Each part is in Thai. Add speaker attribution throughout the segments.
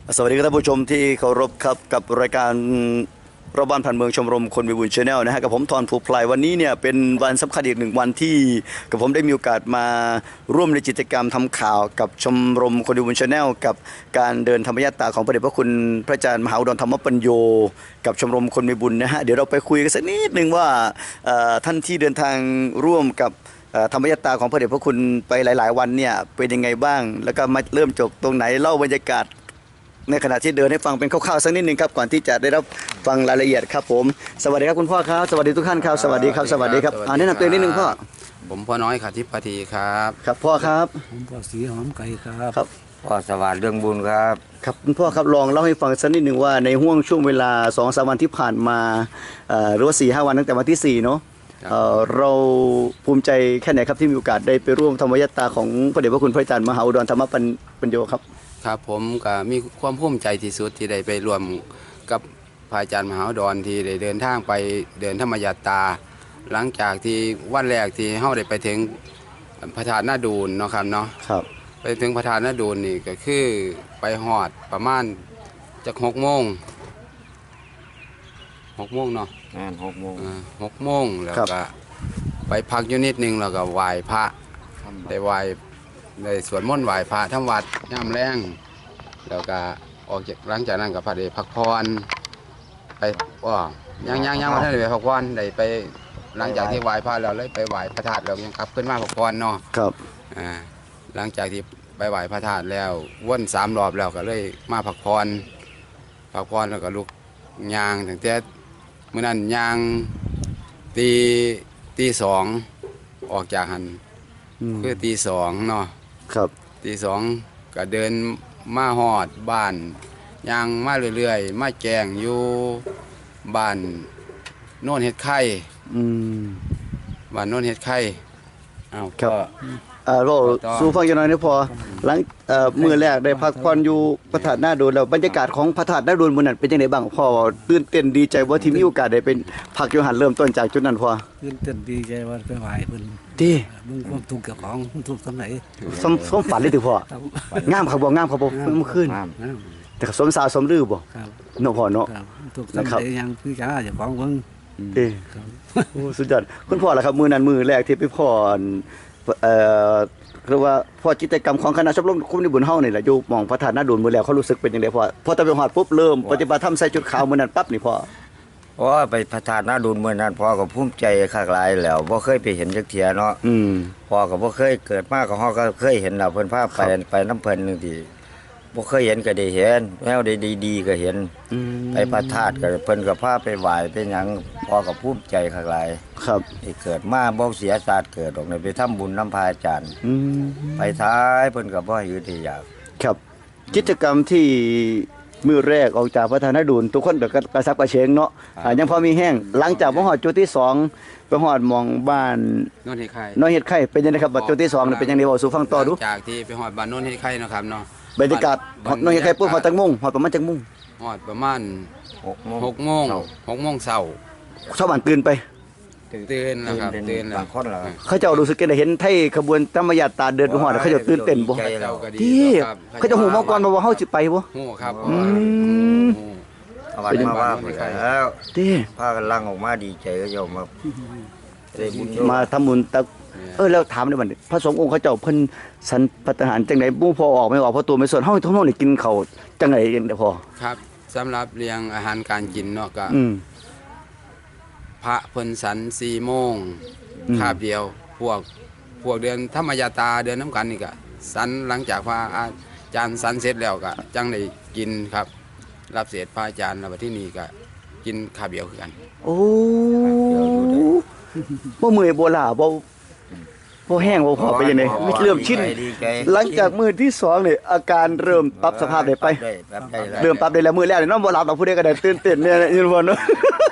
Speaker 1: สวัสดีครับท่านผู้ชมที่เคารพครับกับรายการรอบบ้านผ่านเมืองชมรมคนมีบุญชาแนลนะฮะกับผมทอนภูพลายวันนี้เนี่ยเป็นวันสำคัญอีกหนึ่งวันที่กับผมได้มีโอกาสมาร่วมในกิจกรรมทำข่าวกับชมรมคนมีบุญชาแนลกับการเดินธรรมยาตราของพระเดชพระคุณพระอาจารย์มหาอุดรธรรมปัญโยกับชมรมคนมีบุญนะฮะเดี๋ยวเราไปคุยกันสักนิดหนึ่งว่าท่านที่เดินทางร่วมกับธรรมยตราของพระเดชพระคุณไปหลายๆวันเนี่ยเป็นยังไงบ้างแล้วก็มาเริ่มจบตรงไหนเล่าบรรยากาศในขณะที่เดินให้ฟังเป็นคร่าวๆสักนิดนึงครับก่อนที่จะได้รับฟังรายละเอียดครับผมสวัสดีครับคุณพ่อครับสวัสดีทุกท่านครับสวัสดีครับสวัสดีครับแนะนำตัวเองนิดนึงพ่อ
Speaker 2: ผมพ่อน้อยขาทิพย์ทีครับ
Speaker 1: ครับพ่อครับ
Speaker 3: ผมพ่อสีหอมไก่ครับ
Speaker 1: ครับ
Speaker 4: พ่อสวัสดิ์เรื่องบุญครับ
Speaker 1: ครับคุณพ่อครับลองเล่าให้ฟังสักนิดนึงว่าในห่วงช่วงเวลา 2-3 วันที่ผ่านมาหรือว่า 4-5 วันตั้งแต่วันที่4เนาะเราภูมิใจแค่ไหนครับที่มีโอกาสได้ไปร่วมธรรมยตราของพระเดชพระคุณพระอาจารย์มหาอุดรธรรมปัญโยครับ
Speaker 2: ครับผมก็มีความภูมิใจที่สุดที่ได้ไปรวมกับพระอาจารย์มหาอุดรที่ได้เดินทางไปเดินธรรมยตราหลังจากที่วันแรกที่เฮาได้ไปถึงพระธาตุนาดูนเนาะครับเนาะ
Speaker 1: ครับ
Speaker 2: ไปถึงพระธาตุนาดูนนี่ก็คือไปฮอดประมาณจาก6 โมงเนาะ6 โมงแล้วก็ไปพักอยู่นิดนึงแล้วก็ไหว้พระได้ไหว้ได้สวดมนต์ไหว้พระทำวัดย่ำแรงแล้วก็ออกจากหลังจากนั้นก็พระได้พักผ่อนไปยังวันนั้นได้ไปพักผ่อนได้ไปหลังจากที่ไหว้พระแล้วเลยไปไหว้พระธาตุเรายังกลับขึ้นมาพักผ่อนเนาะ
Speaker 1: ครับ
Speaker 2: หลังจากที่ไปไหว้พระธาตุแล้ววน3 รอบแล้วก็เลยมาพักผ่อนแล้วก็ลุกย่างตั้งแต่เมื่อนั้นย่างตี 2ออกจากหันคือตี 2เนาะ
Speaker 1: ครับ
Speaker 2: ตี 2ก็เดินมาฮอดบ้านย่างมาเรื่อยๆมาแจงอยู่บ้านโน่นเฮ็ดไข่บ้านโน่นเฮ็ดไข่
Speaker 1: ครับเราสู่ฟังอย่างน้อยนี่พอหลังมื้อแรกได้พักผ่อนอยู่พระธาตุนาดูนแล้วบรรยากาศของพระธาตุนาดูนมื้อนั้นเป็นจังได๋บ้างพ่อตื่นเต้นดีใจบ่ที่มีโอกาสได้เป็นพักอยู่หันเริ่มต้นจากจุดนั้นพ่อ
Speaker 3: ตื่นเต้นดีใจว่าไปไหว้เพิ่น
Speaker 1: ติ
Speaker 3: มึงความทุกข์กับของทุกข์สำไหน
Speaker 1: สมฝันเลยติพ่องามครับบ่เมื่อคืนแต่ก็สมสาวสมฤอบ่
Speaker 3: ครับ
Speaker 1: เนาะพ่อเนาะ
Speaker 3: ทุกข์สำไหนยังคือจ้าเจ้าของเพิ่น
Speaker 1: โอ้สุดยอดคุณพ่อล่ะครับมื้อนั้นมื้อแรกที่ไปพ่อเรียกว่าพอกิจกรรมของคณะชมรมคนมีบุญเฮานี่แหละอยู่หม่องพระธาตุนาดูนมื้อแล้วเขารู้สึกเป็นจังได๋พอตะไปฮอดปุ๊บเริ่มปฏิบัติธรรมใส่ชุดขาวมื้อนั้นปั๊บนี่พ่อ
Speaker 4: ไปพระธาตุนาดูนเมื่อนั้นพ่อก็ภูมิใจคักหลายแล้วบ่เคยไปเห็นจักเที่ยเนาะพ่อก็บ่เคยเกิดมาก็ฮอก็เคยเห็นแล้วเพิ่นพาไปนำเพิ่นนึงที่บ่เคยเห็นก็ได้เห็นแนวดีๆก็เห็นไปพระธาตุก็เพิ่นก็พาไปไหว้ไปหยังพ่อก็ภูมิใจคักหลาย
Speaker 1: ครับ
Speaker 4: ที่เกิดมาบ่เสียศาสตร์เกิดดอกไปทำบุญนำพระอาจารย์ไปท้ายเพิ่นก็บ่อยู่ที่อยาก
Speaker 1: ครับกิจกรรมที่มื้อแรกออกจากพระธาตุนาดูนทุกคนก็กระซับกระเฉงเนาะยังพอมีแห้งหลังจากบ่ฮอดจุดที่2ไปฮอดหม่องบ้าน
Speaker 2: โน่นเฮ็ดไข่
Speaker 1: เป็นจังได๋ครับบัดจุดที่2นี่เป็นจังได๋เว้าสู่ฟังต่อดู
Speaker 2: จากที่ไปฮอดบ้านโน่นเฮ็ดไข่เนาะครับเนาะ
Speaker 1: บรรยากาศน้องเฮ็ดไข่ปุ๊บฮอดจักโมงฮอดประมาณจักโมง
Speaker 2: ฮอดประมาณ6 โมงเช้า
Speaker 1: ชาวบ้านตื่นไป
Speaker 2: ตื่นแล้วครับตื่นแล้ว
Speaker 1: เขาเจ้ารู้สึกได้เห็นไทยขบวนธรรมยตราเดินไปฮอดเขาเจ้าตื่นเต้นบ่ที่เขาเจ้าฮู้มาก่อนว่าเฮาสิไปบ่
Speaker 2: ฮู้ครับ
Speaker 4: เป็นมาว่าแล้ว
Speaker 1: ที่
Speaker 4: พากันลังออกมาดีใจก็ยอม
Speaker 1: มาทำบุญแล้วถามได้บัดนี้พระสงฆ์องค์เขาเจ้าเพิ่นสันปทานจังได๋บ่พอออกไม่ออกเพราะตัวไม่ส่วนเฮาทั้งนี่กินข้าวจังได๋จังได๋พอ
Speaker 2: ครับสำหรับเลี้ยงอาหารการกินเนาะก็พระเพิ่นสัน4 โมงคาบเดียวพวกเดือนธรรมยตราเดือนน้ำกันนี่ก็สันหลังจากพระอาจารย์สันเสร็จแล้วก็จังได้กินครับรับเสด็จพระอาจารย์แล้วบัดที่นี่ก็กินคาบเดียวคือกัน
Speaker 1: โอ้บ่เมื่อยบ่ล้าบ่แห้งบ่พอไปจังได๋เริ่มชินหลังจากมื้อที่2นี่อาการเริ่มปรับสภาพได้ไปเริ่มปรับได้แล้วมื้อแรกนี่นอนบ่หลับดอกผู้ใดก็ได้ตื่นเต้นเนี่ยอยู่บ่เนาะ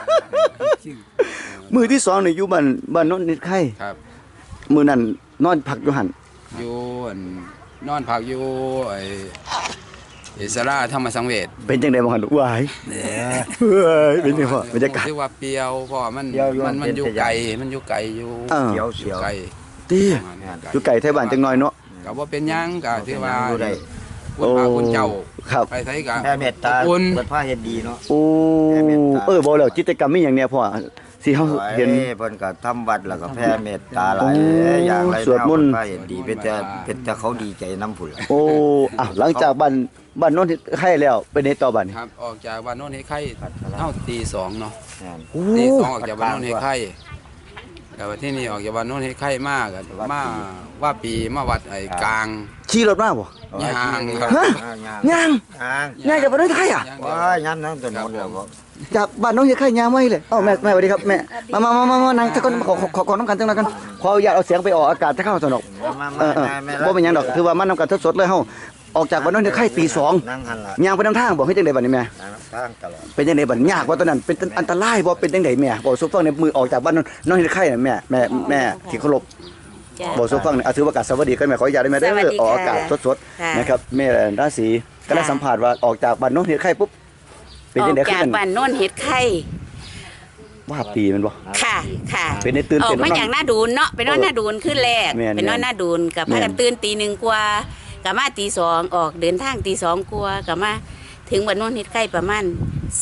Speaker 1: มื้อที่2นี่อยู่บ้านโน่นนิดไข่
Speaker 2: ครับ
Speaker 1: มื้อนั้นนอนพักอยู่หั่น
Speaker 2: อยู่นอนพักอยู่อิสราธรรมสังเวช
Speaker 1: เป็นจังได๋บ่หั่นวายเป็นจังพ่อบรรยากาศ
Speaker 2: คือว่าเปรียวเพราะมันอยู่ไกลอยู่
Speaker 4: ไกล
Speaker 1: ตีอยู่ไก่ไทยบ้านจังน้อยเนาะ
Speaker 2: ก็บ่เป็นหยังก็ถือว่าคุณพระคุณเจ้า
Speaker 1: ครับ
Speaker 2: ไปไสกัน
Speaker 4: แผ่เมตตา
Speaker 2: อุ่น
Speaker 4: เปิดผ้าเฮ็ดดีเนาะ
Speaker 1: โอ้
Speaker 4: แผ่เมตตา
Speaker 1: บ่แล้วกิจกรรมมีหยังเนี่ยพ่อสิเฮาเห็น
Speaker 4: เพิ่นก็ทำวัดแล้วก็แผ่เมตตาหลายอย่างหลาย
Speaker 1: สวดมนต์
Speaker 4: ผ้าเฮ็ดดีเป็นแต่เขาดีใจนำพุ่นล่ะ
Speaker 1: โอ้อ้าวหลังจากบ้านโน้นให้แล้วเป็นในต่อบ้านนี่
Speaker 2: ครับออกจากบ้านโน้นให้ไข่เท่าตีสองเนาะ
Speaker 4: นั่น
Speaker 1: โอ้
Speaker 2: ตีสองออกจากบ้านโน้นให้ไข่แต่ว่าที่นี่ออกจากบ้านโน้นให้ไข่มากมาว่าปีมาวัดไอ้กลาง
Speaker 1: ขี่รถมาบ่
Speaker 2: ย่างครับ
Speaker 1: ฮะ ย่าง ย่างจากบ้านโน้นให้อ่ะ
Speaker 4: ว้ายยามนั้นต้นมนต์แล้วบ่
Speaker 1: จากบ้านโน้นให้ย่างไว้เลยเอ้าแม่สวัสดีครับแม่มานั่งสักคนขอน้ำกันจังหน่อยกันขออนุญาตเอาเสียงไปออกอากาศถ้าเข้าสนอก
Speaker 4: มา
Speaker 1: บ่เป็นหยังดอกคือว่ามันนำกันสดๆเลยเฮาออกจากบ้านโน้นให้ตีสอง
Speaker 4: นั่งหันล่ะ
Speaker 1: ย่างไปนำทางบ่ให้จังได๋บัดนี้แม่
Speaker 4: นั่งทางตลอด
Speaker 1: เป็นจังได๋บัดยากบ่ตอนนั้นเป็นอันตรายบ่เป็นจังได๋แม่บ่สุฟังในมือออกจากบ้านโน้นให้ไข่น่ะแม่ที่เคารพ
Speaker 5: จ้ะ
Speaker 1: บอกสุฟังเนี่ยถือว่าอากาศสวัสดีกันแม่ขออนุญาตได้ไหมได้
Speaker 5: สวัสดี
Speaker 1: ออก
Speaker 5: ค่ะ
Speaker 1: อากาศสด
Speaker 5: ค่ะ
Speaker 1: ๆนะครับแม่ราศีก็ได้
Speaker 5: ค่ะ
Speaker 1: สัมผัสว่าออกจากบ้านโน้นเฮ็ดไข่ปุ๊บเป็น
Speaker 5: ออ
Speaker 1: จัง
Speaker 5: ก
Speaker 1: ได๋ขึ้
Speaker 5: จาก
Speaker 1: น
Speaker 5: บ้านโน่นเห็ดไข่
Speaker 1: ว่าปีมันบ่
Speaker 5: ค่ะค่ะ
Speaker 1: เป็นได้ตื่น
Speaker 5: ออ
Speaker 1: เต้
Speaker 5: ก
Speaker 1: น
Speaker 5: มา
Speaker 1: เนาะ
Speaker 5: จากหน้าดูนเนาะไปนอนหน้าดูนขึ้นแรก
Speaker 1: แม่น
Speaker 5: ไปนอนหน้าดูนกับพากัน
Speaker 1: แม่น
Speaker 5: ตื่นตีหนึ่งกว่ากับมาตีสองออกเดินทางตีสองกว่ากับมาถึงบ้านโน่นเห็ดไข่ประมาณ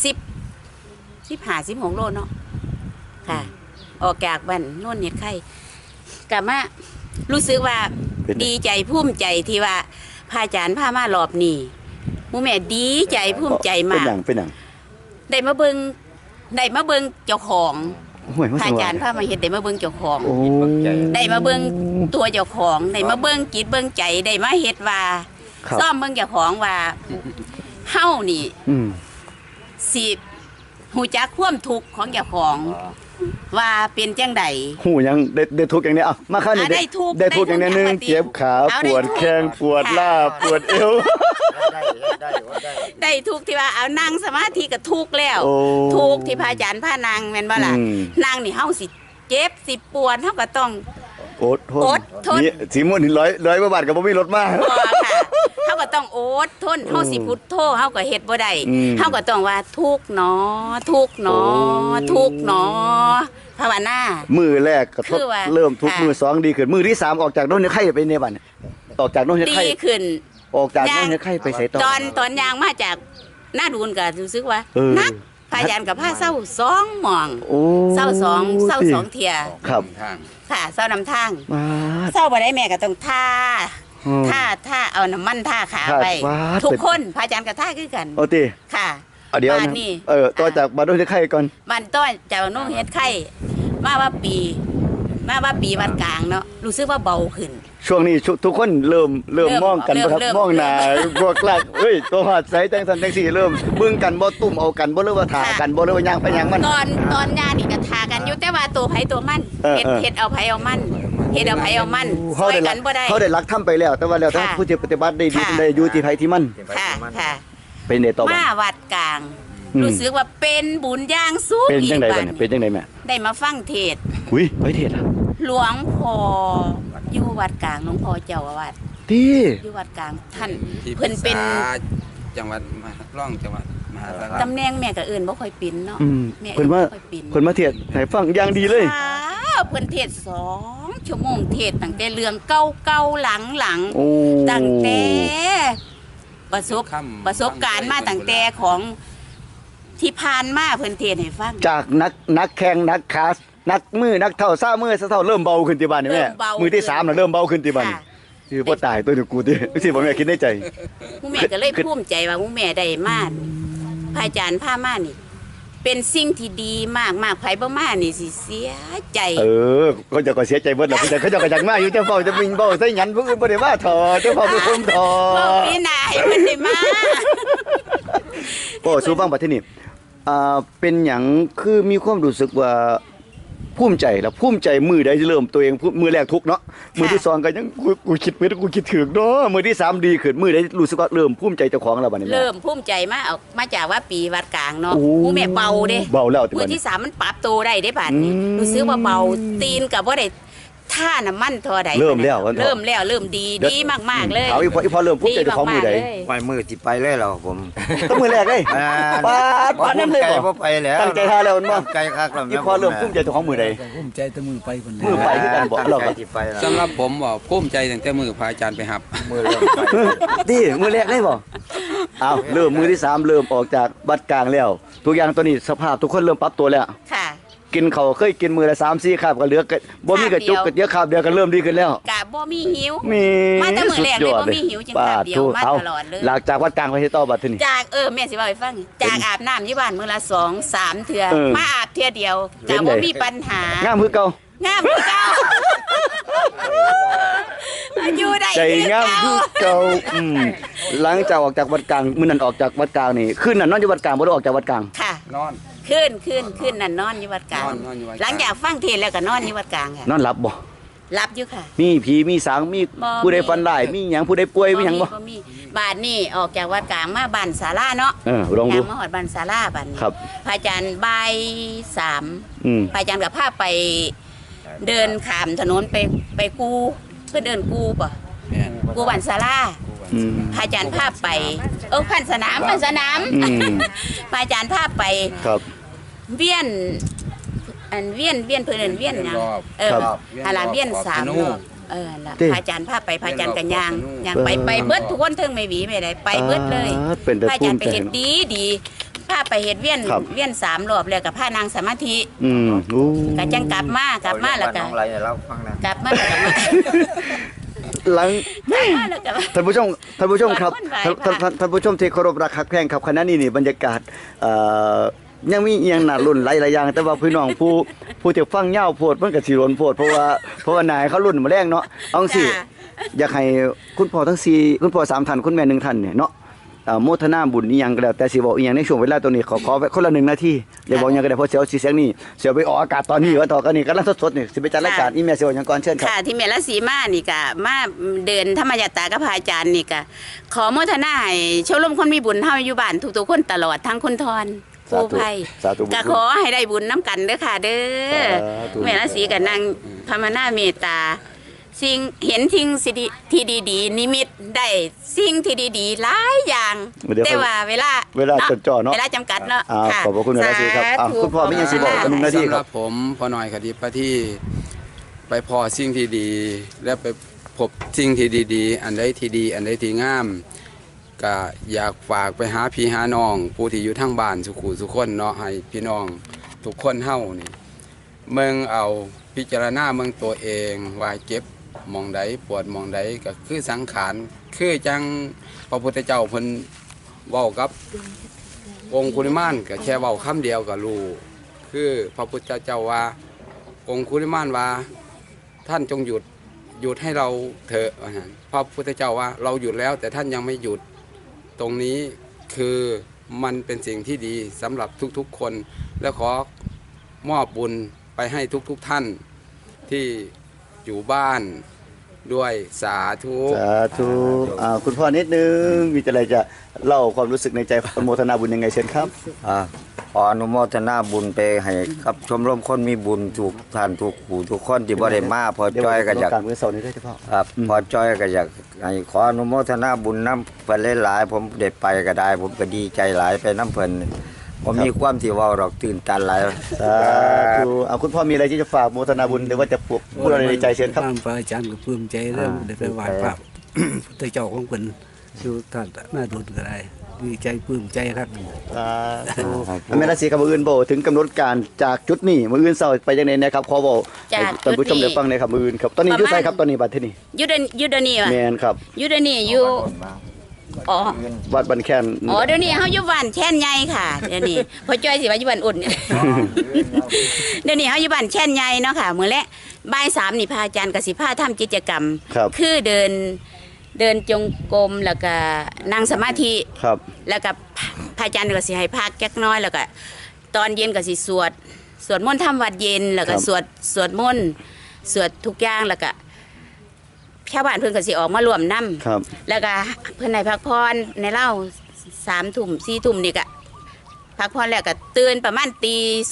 Speaker 5: 15-16 โลเนาะค่ะ ออกจากบ้านโน่นเห็ดไข่กับมารู้สึกว่า
Speaker 1: เป็นไง
Speaker 5: ดีใจภูมิใจที่ว่าพระอาจารย์พามารอบนี้หมู่แม่ดีใจภูมิใจ
Speaker 1: เป็น
Speaker 5: มาก
Speaker 1: หยังเป็นหยัง
Speaker 5: ได้มาเบิ่งเจ้าของ
Speaker 1: ห่วยมัน
Speaker 5: พระ
Speaker 1: ส
Speaker 5: อา
Speaker 1: ว่า
Speaker 5: จารย์พามาเฮ็ดได้มาเบิ่งเจ้าของ
Speaker 1: โอ้
Speaker 5: ได้มาเบิ่งตัวเจ้าของได้มาเบิ่งจิตเบิ่งใจได้มาเฮ็ดว่า
Speaker 1: ครับ
Speaker 5: ซ่อมเบิ่งเจ้าของว่าเฮานี่
Speaker 1: อืม
Speaker 5: สิฮู้จักความทุกข์ของเจ้าของ ว่าเป็นจังได
Speaker 1: หูยังได้ทุกข์อย่างเนี้ยอ่ะมาข้างนี้
Speaker 5: ได้ทุกข์
Speaker 1: ได้ทุกข์อย่างเนี้ย
Speaker 5: ได้
Speaker 1: นึ
Speaker 5: ทุ
Speaker 1: ง
Speaker 5: กข์
Speaker 1: เจ็บขา
Speaker 5: เอา
Speaker 1: ปวด
Speaker 5: ได้ทุกข์
Speaker 1: แข้งปวด
Speaker 5: ค่ะ
Speaker 1: ล่าปวดเอว
Speaker 4: ได้ได้
Speaker 5: ได้ทุกข์ที่ว่าเอานั่งสมาธิก็ทุกข์แล้ว
Speaker 1: โอ้
Speaker 5: ทุกข์ที่พระอาจารย์พานางแม่นบ่ล่ะ
Speaker 1: อืม
Speaker 5: นางนี่เฮาสิเจ็บสิปวดเฮาก็ต้อง
Speaker 1: อดทน
Speaker 5: อดทน
Speaker 1: นี่สีม่วงนี่ร้อยกว่าบาทก็บ่มีรถมา
Speaker 5: บ่ค่ะเฮาก็ต้องอดทนเฮาสิพุทโธเฮาก็เฮ็ดบ่ได้
Speaker 1: อืม
Speaker 5: เฮาก็ต้องว่าทุกข์หนอทุกข์หนอ
Speaker 1: โอ้
Speaker 5: ทุกข์หนอภาวนา
Speaker 1: มือแรกก็ทด
Speaker 5: คือว่า
Speaker 1: เริ่มทุกข์
Speaker 5: ค่ะ
Speaker 1: มือสองดีขึ้นมือที่สามออกจากโน่นเฮ็ดไข่ไปในบ้านเนี่ยออกจากโน่นเฮ็ด
Speaker 5: ดี
Speaker 1: ไข่
Speaker 5: ขึ้น
Speaker 1: ออกจากโน่นเฮ็ดไข่ไปใส่ต่อ
Speaker 5: ตอนยางมาจากหน้าดูนก็รู้สึกว่า
Speaker 1: เออ
Speaker 5: นักพยานกับผ้าเศร้าสองหม่อง
Speaker 1: โอ้
Speaker 5: เศร้าสองเที่ย
Speaker 1: ครับ
Speaker 2: ทาง
Speaker 5: ค่ะเศร้านำทาง
Speaker 1: มา
Speaker 5: เศร้าบ่ได้แม่ก็ต้องท่า
Speaker 1: อืม
Speaker 5: ท่าเอาน้ำมันท่าขา
Speaker 1: ท่า
Speaker 5: ไป
Speaker 1: ฟาด
Speaker 5: ทุกคนพระอาจารย์ก็ท่าคือกัน
Speaker 1: โอติ
Speaker 5: ค่ะ
Speaker 1: เอาเดี๋ยว
Speaker 5: บ้าน
Speaker 1: นะ
Speaker 5: นี่
Speaker 1: ต่อจากบ้านโน่นเฮ็ดไข่ก่อน
Speaker 5: บ้านต้อยจากนุ่งเฮ็ดไข่มาว่าปีวัดกลางเนาะรู้สึกว่าเบาขึ้น
Speaker 1: ช่วงนี้ทุกคนเริ่มมองกันบ่ครับ
Speaker 5: เริ่ม
Speaker 1: มองหน้าบวกหลักเอ้ยตัวหอดใสจังซั่นจังซี่เริ่มเบิ่งกันบ่ตุ่มเอากันบ่หรือว่าถ่ากันบ่หรือว่าย่างไปย่างมัน
Speaker 5: ตอนยานี่ก็ทากันอยู่แต่ว่าตัวไผตัวมัน
Speaker 1: เออ
Speaker 5: เฮ็ดเอาไผเอามันเฮ็ดเอาไผเอามันซอยกันบ่ได้
Speaker 1: เขาได้รักทำไปแล้ว แต่ว่าแล้วถ้า
Speaker 5: ค่ะ
Speaker 1: ผู้ที่ปฏิบัติได้ดี
Speaker 5: ค่ะ
Speaker 1: ได้อยู่ที่ไผที่มัน
Speaker 5: ค่ะค่ะ
Speaker 1: เป็นได้ต่อบ่
Speaker 5: มาวัดกลาง
Speaker 1: อืม
Speaker 5: รู้สึกว่าเป็นบุญอย่างสูง
Speaker 1: เป็นจังได๋
Speaker 5: อีก
Speaker 1: บัดนี้เป็นจังได๋แม่
Speaker 5: ได้มาฟังเทศน์
Speaker 1: อุ้ยไปเทศล่ะ
Speaker 5: หลวงพ่ออยู่วัดกลางหลวงพ่อเจ้าอาวาส
Speaker 1: ที่
Speaker 5: อยู่วัดกลางท่าน
Speaker 2: ที่ปรึ
Speaker 5: เพิ่น
Speaker 2: ก
Speaker 5: เป็น
Speaker 2: ษาจังหวัดมหาร่องจังหวัดมหาสารคาม
Speaker 5: ตำแหน่งแม่ก็เอื่นบ่ค่อยเป็นเนาะ
Speaker 1: อืม
Speaker 5: แม่
Speaker 1: เพิ่นว่า
Speaker 5: บ่ค่อยเป็น
Speaker 1: เพิ่นมาเทศให้ฟังอย่างดีเลย
Speaker 5: ค่ะเพิ่นเทศน์2 ชั่วโมงเทศน์ตั้งแต่เรื่องเก่าๆหลัง
Speaker 1: โอ้
Speaker 5: ๆตั้งแต่ประสบ
Speaker 2: ค่ำ
Speaker 5: ประสบการณ์มาตั้งแต่ของที่ผ่านมาเพิ่นเทศน์ให้ฟัง
Speaker 1: จากนักแข่งนักคาสนักมือนักเท่าซ่ามือซะเท่าเริ่มเบาขึ้นที่บ้านนี่แม่
Speaker 5: เริ่มเบา
Speaker 1: มือที่3น่ะเริ่มเบาขึ้นที่บ้าน
Speaker 5: ค่ะ
Speaker 1: คือบ่ตายตัวนี้กูติสิบ่แม่คิดในใจ
Speaker 5: ผู้แม่ก็เลยภูมิใจว่าผู้แม่ได้มาพระอาจารย์พามานี่ เป็นสิ่งที่ดีมากมากไผบ่มานี่สิเสียใจ
Speaker 1: เขาจะก็เสียใจเบิดล่ะเขาจะก็จักมาอยู่เจ้าเฝ้าจะมิงเบ้าใส่หยันผู้อื่นบ่ได้มาถอเจ้าเฝ้าเป็นคนถอ
Speaker 5: เว้าพี่นาให้มันได้มา
Speaker 1: โอ้สู้ฟังบัดทีนี้เป็นหยังคือมีความรู้สึกว่าภูมิใจแล้วภูมิใจมือใดที่เริ่มตัวเองมือแรกทุกข์เนาะมือที่สองก็ยังกูคิดไม่ได้กูคิดถึงเนาะมือที่สามดีขึ้นมือใดรู้สึกว่าเริ่มภูมิใจเจ้าของแล้วบัดนี้แม่
Speaker 5: เริ่มภูมิใจมาจากว่าปีวัดกลางเนาะ
Speaker 1: โอ้
Speaker 5: ผู้แม่เบาเด้
Speaker 1: เบาแล้วที่
Speaker 5: มื
Speaker 1: บั
Speaker 5: อ
Speaker 1: ดนี้
Speaker 5: ที่3มันปรับตัวได้เด้บาดนี้
Speaker 1: อืม
Speaker 5: รู้สึกว่าเบาตีนกับบ่ได้ท่าน้ำมันเท่าใด
Speaker 1: เริ่มแล้ววันเถอะ
Speaker 5: เริ่มแล้วเริ่มดีดีมากๆเลย
Speaker 1: เอาอีพอเริ่มภูมิใจเจ้าของมือใด
Speaker 5: ดีมากๆเลย
Speaker 4: ไว้มือสิไปเลยเหรอผม
Speaker 1: ต้องมือแรกเลยปาดน้ำเลย
Speaker 4: ใจ
Speaker 1: บ่
Speaker 4: บ่ไปแล้ว
Speaker 1: ตั้งใจท่าแล้วมันบ่
Speaker 4: ตั้งใจคักแล้ว
Speaker 1: อีพอเริ่มภูมิใจเจ้าของมือใด
Speaker 3: ภูมิใจแต่มือไปคนเดี
Speaker 1: มือไปคือกันบ่เราก็
Speaker 4: ตั้งใจสิไปแล้ว
Speaker 2: สำหรับผมว่าภูมิใจตั้งแต่มือพระอาจารย์ไปหับ
Speaker 4: มือเริ่มไป
Speaker 1: ดิมือแรกเลยบ่เอาเริ่มมือที่3เริ่มออกจากวัดกลางแล้วทุกอย่างตัวนี้สภาพทุกคนเริ่มปรับตัวแล้ว
Speaker 5: ค่ะ
Speaker 1: กินเขาวเคยกินมือละ3-4คาบก็เหลือก็บ่มีกระจุกกระเดียวคาบเดียวก็เริ่มดีขึ้นแล้ว
Speaker 5: กะบ่มีหิว
Speaker 1: มี
Speaker 5: มาแต่มื้อแรกเลยบ่มีหิวจังคาบเดียวมา
Speaker 1: เอา
Speaker 5: ตลอดเลย
Speaker 1: หลังจากวัดกลางไปที่ต่อบัดทีนี้
Speaker 5: จากแม่สิเว้าให้ฟังจากอาบน้ำอยู่บ้านมื้อละ2-3เทื่อ
Speaker 1: เออ
Speaker 5: มาอาบเทื่อเดียว
Speaker 1: เป็
Speaker 5: ก็
Speaker 1: นไง
Speaker 5: บ่มีปัญหาง
Speaker 1: ามคือเก่าง
Speaker 5: ามคือเก่าอยู่ได้
Speaker 1: ใจ
Speaker 5: คือง
Speaker 1: าม
Speaker 5: เก่า
Speaker 1: คือเก่าหลังจากออกจากวัดกลางมื้อนั้นออกจากวัดกลางนี่คืนนั้นนอนอยู่วัดกลางบ่ได้ออกจากวัดกลาง
Speaker 5: ค่ะ
Speaker 2: นอน
Speaker 5: ขึ้นนั่นนอนอยู่วัดกลาง
Speaker 2: นอนอยู่วัดกลาง
Speaker 5: หลังจากฟังเทศน์แล้วก็นอนอยู่วัดกลางค่ะ
Speaker 1: นอนหลับบ่
Speaker 5: รับอยู่ค่ะ
Speaker 1: มีผีมีสางมี
Speaker 5: บ่
Speaker 1: ผู้ใดฟันได้มีหยังผู้ใดป่วยมีหยังบ่
Speaker 5: มีบาดนี่ออกจากวัดกลางมาบ้านศาลาเนาะ
Speaker 1: ลองดู
Speaker 5: ยางมาหอดบ้านศาลาบ้านนี้
Speaker 1: ครับ
Speaker 5: พระอาจารย์บ่าย3
Speaker 1: อืม
Speaker 5: พระอาจารย์กับพาไปเดินข้ามถนนไปกูเพื่อเดินกูป่ะ
Speaker 3: แม่น
Speaker 5: กูบ้านศาลา
Speaker 1: อืม
Speaker 5: พระอาจารย์พาไปพันสนาม
Speaker 1: อืม
Speaker 5: พระอาจารย์พาไป
Speaker 1: ครับ
Speaker 5: เวียนเวียนเพื่อนเวียนนะ
Speaker 1: ครับ
Speaker 5: หาลาเวียน3 รอบล่ะ
Speaker 1: เด้
Speaker 5: พระอาจารย์พาไปพระอาจารย์กันยางไปเบิดทุกคนเทิงไม่หวีไม่ได้ไปเบิดเลย
Speaker 1: เป็นแต่
Speaker 5: พระอา
Speaker 1: ภู
Speaker 5: จาร
Speaker 1: มิ
Speaker 5: ย์ไป
Speaker 1: ใจ
Speaker 5: เฮ็ดดีพาไปเฮ็ดเวียน3 รอบแล้วกับพานางสมาธิ
Speaker 1: โอ้
Speaker 5: ก็จังกลับมาแล้วก็
Speaker 4: น้องไรให้เราฟังนะ
Speaker 5: กลับมาแล้วก็มา
Speaker 1: หลัง
Speaker 5: แล้วก็มา
Speaker 1: ท่านผู้ชมครับ
Speaker 5: คนไหว้
Speaker 1: ท่านผู้ชมที่เคารพรักคักแพงครับคณะนี้นี่บรรยากาศยังมีอีหยังน่ารุ่นหลายๆอย่างแต่ว่าพี่น้องผู้ที่ฟังยาวโพดมันก็สิรนโพดเพราะว่านายเขารุ่นมาแรงเนาะเอาจังซี่
Speaker 5: จ้ะ
Speaker 1: อยากให้คุณพ่อทั้ง4คุณพ่อ3ท่านคุณแม่1ท่านเนี่ยเนาะโมทนาบุญอีหยังก็แล้วแต่สิบอกอีหยังในช่วงเวลาตัวนี้ขอไว้คนละ1นาทีอย่าบอกหยังก็ได้เพราะเสียวสิเสียงนี่เสียวไปออกอากาศตอนนี้ว่าต่อกันนี่กำลังสดๆนี่สิไปจัดรายการอีเมลเสียวหยังก่อนเชิญครับ
Speaker 5: ค่ะที่เมลสีมานี่ก็มาเดินธรรมยตรากับพระอาจารย์นี่ก็ขอโมทนาให้ชมรมคนมีบุญเฮาอยู่บ้านทุกๆคนตลอดทั้งคุณทอนผู้ภัย
Speaker 1: สาธุบุญ
Speaker 5: ก็ขอให้ได้บุญน้ำกันเด้อค่ะเด้อ
Speaker 1: สาธุ
Speaker 5: แม่ละสีกับนางภาวนาเมตตาสิ่งเห็นสิ่งที่ดีๆนิมิตได้สิ่งที่ดีๆหลายอย่าง
Speaker 1: เดี๋ยว
Speaker 5: แต่ว่าเวลา
Speaker 1: จดจ่อเนาะ
Speaker 5: เวลาจำกัดเนาะ
Speaker 1: ขอบพระคุณนะสีครับ
Speaker 5: สาธุ
Speaker 1: คุณพ่อไม่ยังสิบอกกัน1นาที
Speaker 2: สำห
Speaker 1: ค
Speaker 2: รั
Speaker 1: รั
Speaker 2: บบ ผมพอหน่อยคดีปะที่ไปพอสิ่งที่ดี และไปพบสิ่งที่ดีๆ อันใดที่ดี อันใดที่งามก็อยากฝากไปหาพี่หาน้อง ผู้ที่อยู่ทั้งบ้านสุขุสุขคนเนาะให้พี่น้องทุกคนเฮานี่เมืองเอาพิจารณาเมืองตัวเองว่าเจ็บหมองใดปวดหมองใดก็คือสังขารคือจังพระพุทธเจ้าเพิ่นเว้ากับ องคุลิมานก็แค่เว้าคำเดียวก็รู้คือพระพุทธเจ้าว่า องคุลิมานว่าท่านจงหยุดให้เราเถอะว่าหั่นพระพุทธเจ้าว่าเราหยุดแล้วแต่ท่านยังไม่หยุดตรงนี้คือมันเป็นสิ่งที่ดีสำหรับทุกๆคน และขอมอบบุญไปให้ทุกท่านที่อยู่บ้านด้วยสาธุ
Speaker 1: สาธุคุณพ่อนิดนึงมีอะไรจะเล่าความรู้สึกในใจอนุโมทนาบุญยังไงเชิญครับ
Speaker 4: ขออนุโมทนาบุญไปให้กับชมรมคนมีบุญทุกท่านทุกผู้ทุกคนที่บ่ได้มาพอจ้อยก็อยาก
Speaker 1: การมือเสาร์นี้ด้วยเฉพาะ
Speaker 4: ครับพอจ้อยก็อยากให้ขออนุโมทนาบุญน้ำเพิ่นหลายๆผมได้ไปก็ได้ ผมก็ดีใจหลายไปน้ำเพิ่นผมมีความที่เว้าดอกตื่นตันหลาย
Speaker 1: สาธุคุณพ่อมีอะไรที่จะฝากโมทนาบุญหรือว่าจะพูดอะไรในใจเชิญครับ
Speaker 3: ตามพระอาจารย์ก็ปลื้มใจเริ่มได้ไปไหว้พระพุทธเจ้าของเพิ่นอยู่ท่านหน้าดุลก็ได้ดีใจปลื้มใจครับ
Speaker 1: สาธุแม่ราศีกับมืออื่นโบถึงกำหนดการจากจุดนี้มืออื่นเสาร์ไปยังไงนะครับขอบอก
Speaker 5: จาก
Speaker 1: ท่านผู้ชม
Speaker 5: จุดนี้
Speaker 1: ได้ฟังในครับมืออื่นครับตอนนี้อยุ่ไสครับตอนนี้บัดที่นี่
Speaker 5: อยูเดยวนี่ว่ะ
Speaker 1: แมนครับ
Speaker 5: อยูเดยวนี่อยู่อ๋อ
Speaker 1: วัดบันแคน
Speaker 5: เดี๋ยวนี้เฮาอยู่บ้านแช่นใหญ่ค่ะเดี๋ยวนี้พอจ้อยสิว่าอยู่บ้านอุ่น เดี๋ยวนี้เฮาอยู่บ้านแช่นใหญ่เนาะค่ะมื้อแลบ่าย3นี่พระอาจารย์ก็สิพาทำกิจกรรม
Speaker 1: ครับ
Speaker 5: คือเดินจงกรมแล้วก็นั่งสมาธิ
Speaker 1: ครับ
Speaker 5: แล้วก็พระอาจารย์ก็สิให้พักจักหน้อยแล้วก็ตอนเย็นก็สิสวดมนต์ทำวัดเย็นแล้วก็สวดมนต์สวดทุกอย่างแล้วก็ชาวบ้านเพิ่นก็สิออกมารวมนำ
Speaker 1: ครับ
Speaker 5: แล้วก็เพิ่นให้พักผ่อนในเล่า3 ทุ่ม4 ทุ่มนี่ก็พักผ่อนแล้วก็ตื่นประมาณตี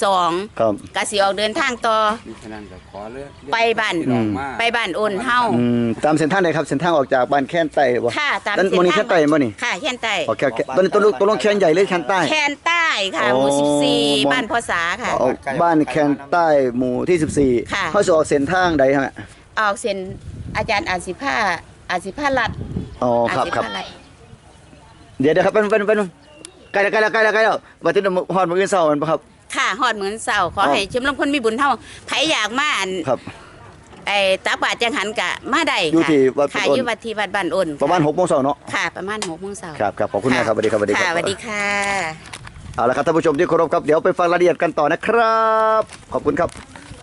Speaker 5: 2
Speaker 1: ครับ
Speaker 5: ก็สิออกเดินทางต่อ
Speaker 2: มีฉะนั้นก็ขอเลือก
Speaker 5: ไปบ้าน
Speaker 2: พี่น้องมา
Speaker 5: ไปบ้านโอนเฮา
Speaker 1: ตามเส้นทางไหนครับเส้นทางออกจากบ้านแคนใต้บ่
Speaker 5: ค่ะตาม
Speaker 1: นั่น
Speaker 5: เส้น
Speaker 1: โมนี่
Speaker 5: ทาง
Speaker 1: แคนใต้บ่นี่
Speaker 5: ค่ะแค่นใต้
Speaker 1: โอเคตอนนี้ตัวลงแคนใหญ่เลยแคนใต้
Speaker 5: แค่นใต้ค่ะหมู่
Speaker 1: อ๋อ
Speaker 5: 14บ้านพ่อสาค่ะ
Speaker 1: ออกบ้านแคนใต้หมู่ที่14
Speaker 5: ค่ะ
Speaker 1: เขาจะออกเส้นทางใดฮะ
Speaker 5: ออกเส้นอาจารย์อาสิภาลัด
Speaker 1: อ๋อครับ
Speaker 5: อาสิ
Speaker 1: ครับ
Speaker 5: ภาลัด
Speaker 1: เดี๋ยวครับเป็นใกล้แล้ววันที่ฮอดมื้ออื่นเช้ามันบ่ครับ
Speaker 5: ค่ะฮอดมื้อเช้าขอให้ชมรมคนมีบุญเฮาไผอยากมาอัน
Speaker 1: ครับ
Speaker 5: ไอ้ตาบาดจังหันกะมาได้
Speaker 1: อยู่
Speaker 5: ค่ะ
Speaker 1: ที่วัด
Speaker 5: ค่ะ
Speaker 1: บ้านอ้น
Speaker 5: อยู่วัดที่วัดบ้านอ้น
Speaker 1: ประมาณ6 โมงเช้าเนาะ
Speaker 5: ค่ะประมาณ6 โมงเช้า
Speaker 1: ครับขอบคุณมากครับสวัสดีครับ
Speaker 5: ค่ะสวัสดีค่ะ
Speaker 1: เอาละครับท่านผู้ชมที่เคารพครับเดี๋ยวไปฟังรายละเอียดกันต่อนะครับขอบคุณครับ